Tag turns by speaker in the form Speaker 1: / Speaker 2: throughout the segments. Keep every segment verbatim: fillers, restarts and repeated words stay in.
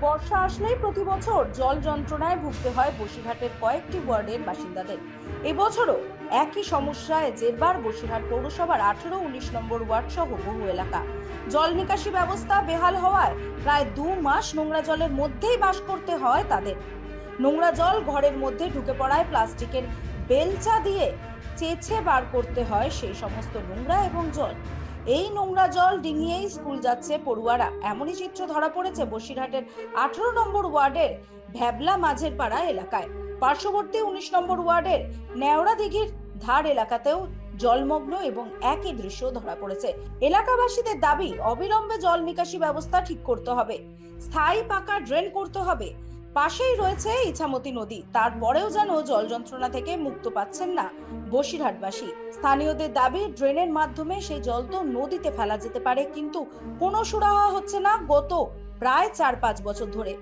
Speaker 1: বর্ষা আসলেই প্রতি বছর জল যন্ত্রণায় ভুগতে হয় বসিরহাটের কয়েকটি ওয়ার্ডের বাসিন্দাদের। এবছরও একই সমস্যায় জেরবার বসিরহাট পৌরসভার আঠেরো উনিশ নম্বর ওয়ার্ড সহ বহু এলাকা। জল নিকাশি ব্যবস্থা বেহাল হওয়ায় প্রায় দু মাস নোংরা জলের মধ্যেই বাস করতে হয় তাদের। নোংরা জল ঘরের মধ্যে ঢুকে পড়ায় প্লাস্টিকের বেলচা দিয়ে চেঁচে বার করতে হয় সেই সমস্ত নোংরা এবং জল। এই নোংরা জল ডিঙিয়েই স্কুল যাচ্ছে পড়ুয়ারা, এমনই চিত্র ধরা পড়েছে বসিরহাটের আঠারো নম্বর ওয়ার্ডের ভ্যাবলা মাঝের পাড়া এলাকায়। পার্শ্ববর্তী উনিশ নম্বর ওয়ার্ডের নেওড়া দিঘির ধার এলাকাতেও জলমগ্ন এবং একই দৃশ্য ধরা পড়েছে। এলাকাবাসীদের দাবি, অবিলম্বে জল নিকাশি ব্যবস্থা ঠিক করতে হবে, স্থায়ী পাকা ড্রেন করতে হবে। পাশেই রয়েছে ইছামতি নদী, তারপরেও যেন জল যন্ত্রণা থেকে মুক্ত পাচ্ছেন না বসিরহাটবাসী। স্থানীয়দের দাবি, ড্রেনের মাধ্যমে সেই জল তো নদীতে ফেলা যেতে পারে, কিন্তু কোনো সুরাহা হচ্ছে না গত প্রায় চার পাঁচ বছর ধরে।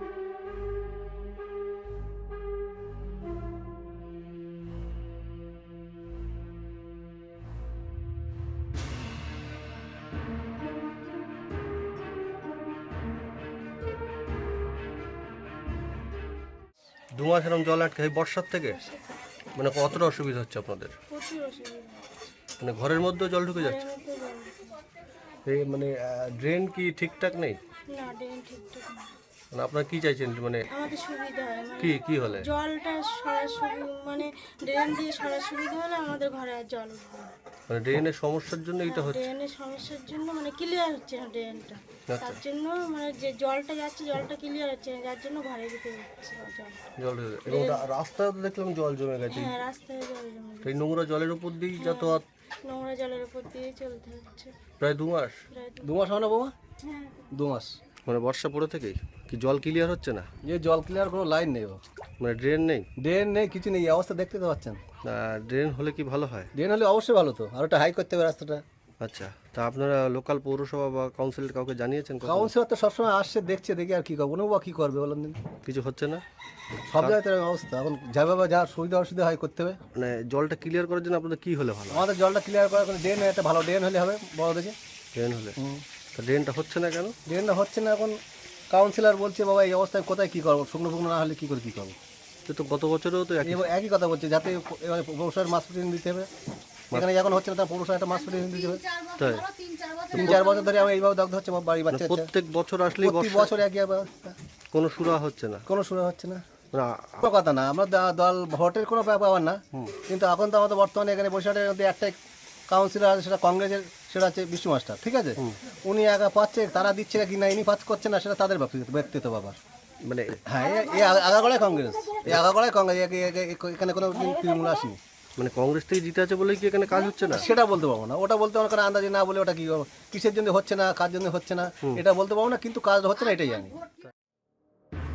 Speaker 2: দু মাস এরকম জল আটকে এই বর্ষার থেকে মানে কতটা অসুবিধা হচ্ছে আপনাদের?
Speaker 3: প্রচুর অসুবিধা
Speaker 2: মানে ঘরের মধ্যেও জল ঢুকে যাচ্ছে?
Speaker 3: ঘরের মধ্যে জল।
Speaker 2: এই মানে ড্রেন কি ঠিকঠাক নেই?
Speaker 3: না, ড্রেন ঠিকঠাক না।
Speaker 2: মানে আপনারা কি চাইছেন? মানে
Speaker 3: আমাদের সুবিধা হয়, মানে
Speaker 2: কি কি হলে
Speaker 3: জলটা সরাসরি মানে ড্রেন দিয়ে সরাসরি হলে আমাদের ঘরে আর জল উঠবে না।
Speaker 2: মানে ড্রেনের সমস্যার জন্য এটা হচ্ছে?
Speaker 3: ড্রেনের সমস্যার জন্য মানে ক্লিয়ার হচ্ছে না ড্রেনটা, তার জন্য মানে যে জলটা যাচ্ছে জলটা ক্লিয়ার হচ্ছে না, যার জন্য ঘরে ভিতরে যাচ্ছে জল।
Speaker 2: জল ঢুকে যাচ্ছে। এবং রাস্তায় তো দেখলাম জল জমে গেছে।
Speaker 3: হ্যাঁ, রাস্তায় জল জমে
Speaker 2: এই নোংরা জলের উপর দিয়েই যাতায়াত
Speaker 3: নোংরা জলের উপর দিয়ে চলতে হচ্ছে
Speaker 2: প্রায় দু মাস।
Speaker 3: প্রায় দু-
Speaker 4: দু মাস হয় না বৌমা?
Speaker 3: হ্যাঁ,
Speaker 4: দু মাস।
Speaker 2: মানে বর্ষা পড়ে থেকেই কি জল ক্লিয়ার হচ্ছে না?
Speaker 4: যে জল ক্লিয়ার কোনো লাইন নেই, ও
Speaker 2: মানে ড্রেন নেই?
Speaker 4: ড্রেন নেই, কিছু নেই, এই অবস্থা দেখতে তো পাচ্ছেন।
Speaker 2: ড্রেন হলে কি ভালো হয়?
Speaker 4: ড্রেন হলে অবশ্যই ভালো, তো আর ওটা হাই করতে হবে রাস্তাটা।
Speaker 2: আচ্ছা, তা আপনারা লোকাল পৌরসভা বা কাউন্সিলের কাউকে জানিয়েছেন? কখনো?
Speaker 4: কাউন্সিলর তো সবসময় আসছে, দেখছে, দেখি আর কি করবো, ওনাও বা কী করবে বলেন দিন।
Speaker 2: কিছু হচ্ছে না?
Speaker 4: সব জায়গায় তো এরকম অবস্থা, এখন যেভাবে যা সুবিধা অসুবিধা হয় করতে হবে।
Speaker 2: মানে জলটা ক্লিয়ার করার জন্য আপনাদের কি হলে ভালো হয়?
Speaker 4: আমাদের জলটা ক্লিয়ার করার কোনো ড্রেন, একটা ভালো ড্রেন হলে হবে বড় দেখে।
Speaker 2: ড্রেন হলে?
Speaker 4: হুম।
Speaker 2: তা ড্রেনটা হচ্ছে না কেন?
Speaker 4: ড্রেনটা হচ্ছে না, এখন কাউন্সিলর বলছে বাবা এই অবস্থায় কোথায় কী করবো, শুকনো ফুকনো না হলে কী করে কী করবো।
Speaker 2: সে তো গত বছরেও তো একই।
Speaker 4: এবার একই কথা বলছে, যাতে এবার পৌরসভার মাস প্রতিদিন দিতে হবে। এখানে যখন হচ্ছে না, তার পৌরসভা একটা মাস প্রতিদিন দিতে হবে।
Speaker 2: তাই
Speaker 4: তিন চার বছর ধরে আমার এইভাবে দগ্ধ হচ্ছে, আমার বাড়ি বাচ্চা কাচ্চা।
Speaker 2: প্রত্যেক বছর আসলেই
Speaker 4: প্রতি
Speaker 2: বর্ষা
Speaker 4: বছর একই অবস্থা,
Speaker 2: কোনো সুরা হচ্ছে না?
Speaker 4: কোনো শুরু হচ্ছে না।
Speaker 2: মানে
Speaker 4: কোনো কথা না, আমরা দা- দল ভোটের কোনো ব্যাপার না, কিন্তু এখন তো আমাদের বর্তমানে এখানে বসিরহাটের মধ্যে একটাই কাউন্সিলর আছে, সেটা কংগ্রেসের, সেটা হচ্ছে বিষ্ণু মাস্টার, ঠিক আছে। উনি একা পাচ্ছে, তারা দিচ্ছে কি না ইনি পাচ্ছে করছে না, সেটা তাদের ব্যক্তি- ব্যক্তিগত ব্যাপার।
Speaker 2: মানে
Speaker 4: হ্যাঁ, এ- এই আগা- আগাগোড়ায় কংগ্রেস, এই আগাগোড়ায় কংগ্রেস, এ- এ- এ- এখানে কোনো দিন তৃণমূল আসেনি।
Speaker 2: মানে কংগ্রেস থেকে জিতে আছে বলে কি এখানে কাজ হচ্ছে না?
Speaker 4: সেটা বলতে পারবো না, ওটা বলতে পারবো না, আন্দাজে না বলে ওটা কি কিসের জন্য হচ্ছে না, কার জন্য হচ্ছে না এটা বলতে পারবো না, কিন্তু কাজ হচ্ছে না এটাই জানি।